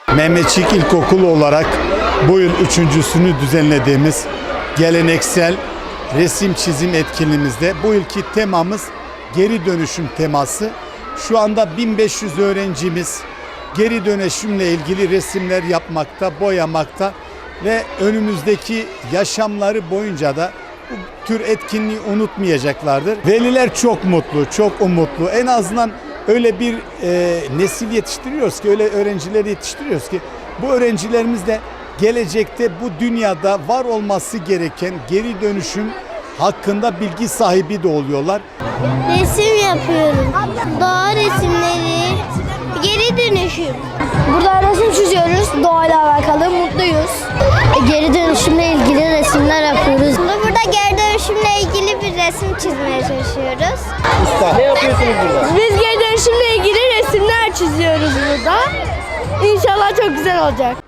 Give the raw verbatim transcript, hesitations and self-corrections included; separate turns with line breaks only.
Mehmetçik İlkokulu olarak bu yıl üçüncüsünü düzenlediğimiz geleneksel resim çizim etkinliğimizde bu yılki temamız geri dönüşüm teması. Şu anda bin beş yüz öğrencimiz geri dönüşümle ilgili resimler yapmakta, boyamakta ve önümüzdeki yaşamları boyunca da bu tür etkinliği unutmayacaklardır. Veliler çok mutlu, çok umutlu. En azından öyle bir e, nesil yetiştiriyoruz ki, öyle öğrencileri yetiştiriyoruz ki bu öğrencilerimiz de gelecekte bu dünyada var olması gereken geri dönüşüm hakkında bilgi sahibi de oluyorlar.
Resim yapıyorum. Doğa resimleri, geri dönüşüm.
Burada resim çiziyoruz. Doğayla alakalı mutluyuz.
E, geri dönüşümle ilgili resimler yapıyoruz. Burada geri dönüşümle ilgili bir resim çizmeye çalışıyoruz.
Ne yapıyorsunuz burada?
Biz geri dönüşümle ilgili resimler çiziyoruz burada. İnşallah çok güzel olacak.